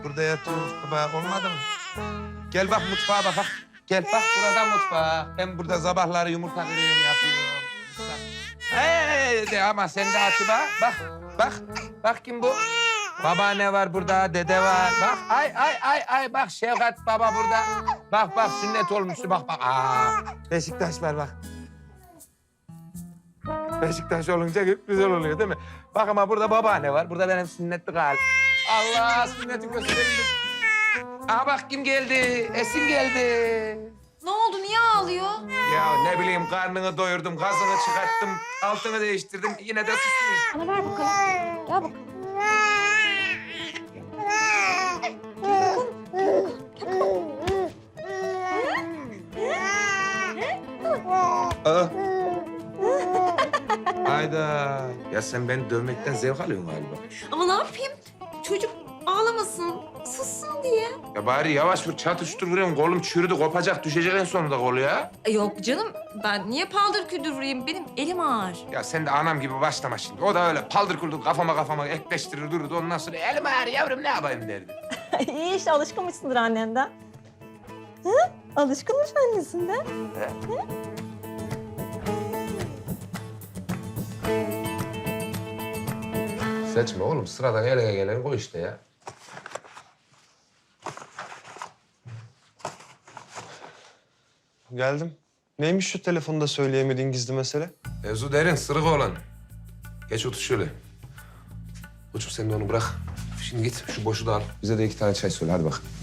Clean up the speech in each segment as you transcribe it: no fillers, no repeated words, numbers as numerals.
burada yatıyoruz baba. Olmadı mı? Gel bak mutfağa bak. Gel bak burada mutfağa. Ben burada sabahları yumurta kırıyorum yapıyorum. Hey de ama sen de açı bak. Bak. Bak kim bu? Babaanne var burada, dede var. Bak ay bak Şevkat baba burada. Bak sünnet olmuştu bak. Beşiktaş var bak. Beşiktaş olunca güzel oluyor değil mi? Bak ama burada babaanne var. Burada benim sünnetlik halim. Allah sünneti gösterelim. Aha bak kim geldi? Esin geldi. Ne oldu? Niye ağlıyor? Ya ne bileyim karnını doyurdum, gazını çıkarttım, altını değiştirdim. Yine de susmuyor. Bana ver bakalım. Gel bakalım. Aa. Hayda. Ya sen beni dövmekten zevk alıyorsun galiba. Ama ne yapayım? Çocuk ağlamasın, sussun diye. Ya bari yavaş vur, çatıştır vuruyorsun. Kolum çürüdü, kopacak, düşecek en sonunda kolu ya. Yok canım, ben niye paldır küldür vurayım? Benim elim ağır. Ya sen de anam gibi başlama şimdi. O da öyle paldır kuldur kafama ekleştirir dururdu. Ondan sonra elim ağrı yavrum ne yapayım derdi. İyi işte alışkınmışsındır annenden. Hı? Alışkınmış annesinden. Seçme oğlum. Sıradan ele gelen koy işte ya. Geldim. Neymiş şu telefonda söyleyemediğin gizli mesele? Mevzu derin, sırık olan. Geç otur şöyle. Koçum sen de onu bırak. Şimdi git şu boşu da al. Bize de 2 tane çay söyle hadi bak.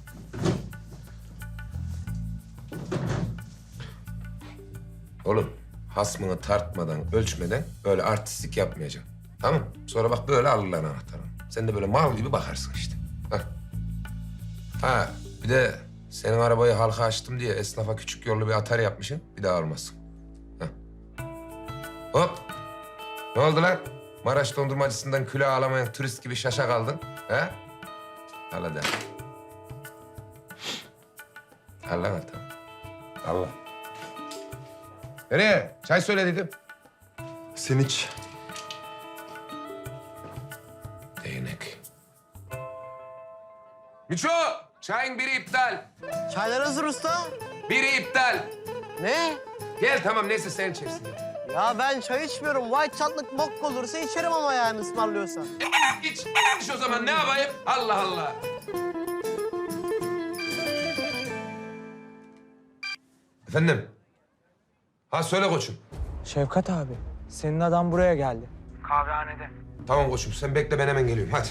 Oğlum hasmını tartmadan, ölçmeden böyle artistlik yapmayacaksın. Tamam mı? Sonra bak böyle alırlar anahtarını. Sen de böyle mal gibi bakarsın işte. Bak. Ha bir de senin arabayı halka açtım diye esnafa küçük yollu bir atar yapmışsın. Bir daha almasın. Hop. Ne oldu lan? Maraş dondurmacısından külah alamayan turist gibi şaşa kaldın. He? Al hadi. Al lan tamam. Al lan. Nereye? Çay söyle dedim. Sen iç. Değnek. Miço! Çayın biri iptal. Çaylar hazır usta. Biri iptal. Ne? Gel tamam neyse sen içersin. Ya ben çay içmiyorum. White çatlık bok olursa içerim ama yani ısmarlıyorsan. İç o zaman ne yapayım? Allah Allah. Efendim? Ha söyle koçum. Şevkat abi, senin adam buraya geldi. Tamam koçum sen bekle ben hemen geliyorum hadi.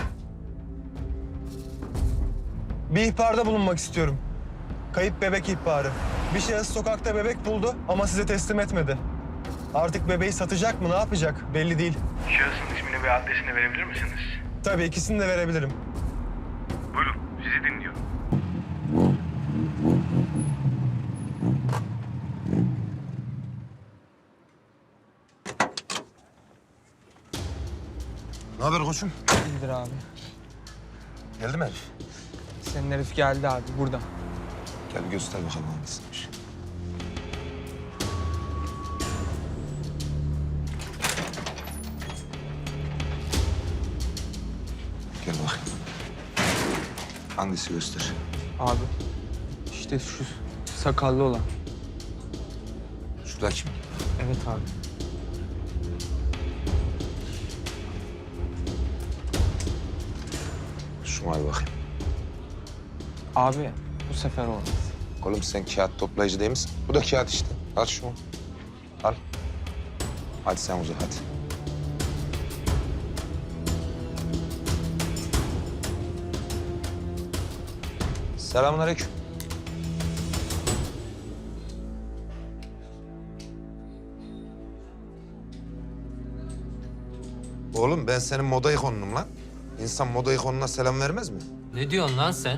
Bir ihbarda bulunmak istiyorum. Kayıp bebek ihbarı. Bir şahıs sokakta bebek buldu ama size teslim etmedi. Artık bebeği satacak mı, ne yapacak belli değil. Şahısın ismini ve adresini verebilir misiniz? Tabii ikisini de verebilirim. Buyurun, sizi dinliyorum. Ne haber koçum? İyidir abi. Geldi mi Elif? Senin herif geldi abi, burada. Gel bir göster bakalım hangisiymiş. Gel bakayım. Hangisi göster? Abi, işte şu sakallı olan. Şuradaki mi? Evet abi. Şuna bir bakayım. Abi, bu sefer olmaz. Oğlum sen kağıt toplayıcı değil misin? Bu da kağıt işte. Al şunu. Al. Hadi sen uza hadi. Selamünaleyküm. Oğlum ben senin moda ikonunum lan. İnsan moda ikonuna selam vermez mi? Ne diyorsun lan sen?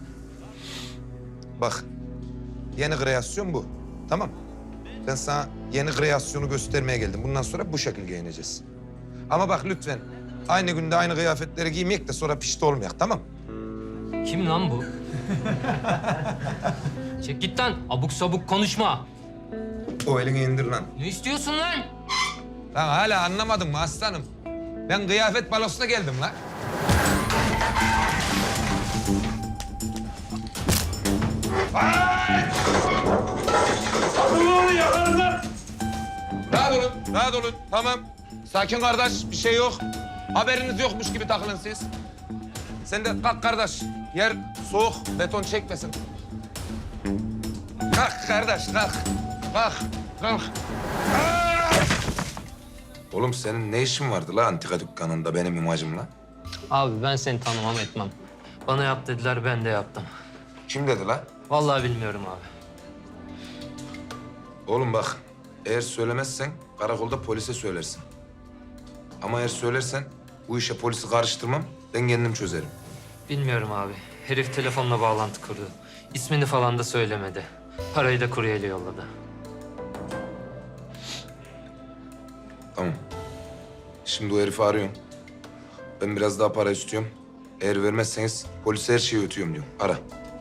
Bak, yeni kreasyon bu. Tamam. Ben sana yeni kreasyonu göstermeye geldim. Bundan sonra bu şekilde giyineceğiz. Ama bak lütfen aynı günde aynı kıyafetleri giymeyek de sonra pişti olmayak, tamam mı? Kim lan bu? Çek git lan. Abuk sabuk konuşma. O elini indir lan. Ne istiyorsun lan? Lan hala anlamadın mı aslanım? Ben kıyafet balosuna geldim lan. Rahat olun. Tamam. Sakin kardeş. Bir şey yok. Haberiniz yokmuş gibi takılın siz. Sen de kalk kardeş. Yer soğuk. Beton çekmesin. Kalk kardeş kalk. Kalk. Kalk. Oğlum senin ne işin vardı la antika dükkanında benim imajımla? Abi ben seni tanımam etmem. Bana yap dediler, ben de yaptım. Kim dedi la? Vallahi bilmiyorum abi. Oğlum bak, eğer söylemezsen karakolda polise söylersin. Ama eğer söylersen bu işe polisi karıştırmam, ben kendim çözerim. Bilmiyorum abi. Herif telefonla bağlantı kurdu. İsmini falan da söylemedi. Parayı da kuryeyle yolladı. Tamam. Şimdi o herifi arıyorum. Ben biraz daha para istiyorum. Eğer vermezseniz polise her şeyi ötüyorum diyorum. Ara.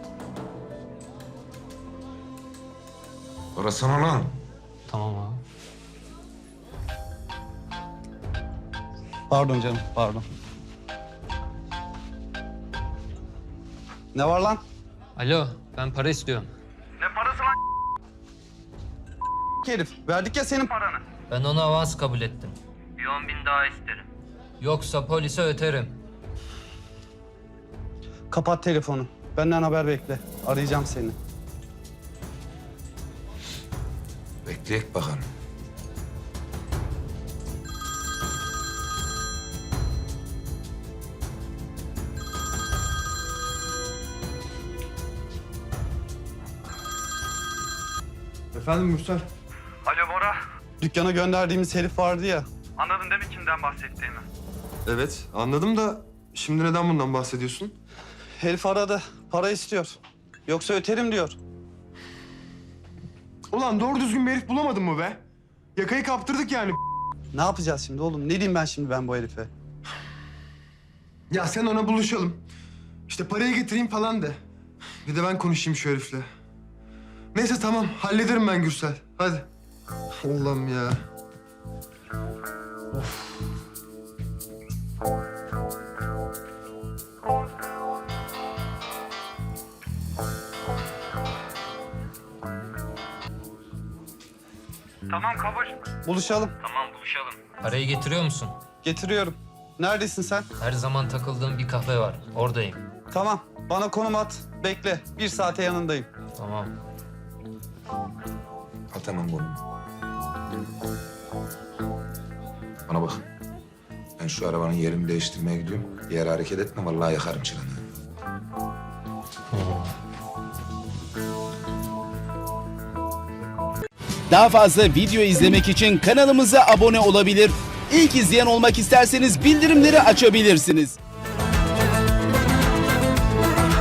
Arasana lan. Tamam abi. Pardon canım, pardon. Ne var lan? Alo, ben para istiyorum. Herif, verdik ya senin Ben onu avans kabul ettim. 10.000 daha isterim. Yoksa polise öterim. Kapat telefonu. Benden haber bekle. Arayacağım seni. Bekleyek bakalım. Efendim Mürsel? Alo Bora. Dükkana gönderdiğimiz herif vardı ya. Anladın değil mi kimden bahsettiğimi? Evet, anladım da şimdi neden bundan bahsediyorsun? Herif aradı. Para istiyor. Yoksa öterim diyor. Ulan doğru düzgün bir herif bulamadın mı be? Yakayı kaptırdık yani. Ne yapacağız şimdi oğlum? Ne diyeyim ben şimdi bu herife? Ya sen ona buluşalım. İşte parayı getireyim falan de. Bir de ben konuşayım şu herifle. Neyse tamam, hallederim ben Gürsel. Hadi. Allah'ım ya. Tamam kabul. Buluşalım. Tamam buluşalım. Parayı getiriyor musun? Getiriyorum. Neredesin sen? Her zaman takıldığım bir kafe var. Oradayım. Tamam. Bana konum at. Bekle. 1 saate yanındayım. Tamam. Al tamam bunu. Bana bak. Ben şu arabanın yerini değiştirmeye gidiyorum. Diğer hareket etme vallahi yakarım çıranı. Daha fazla video izlemek için kanalımıza abone olabilir. İlk izleyen olmak isterseniz bildirimleri açabilirsiniz.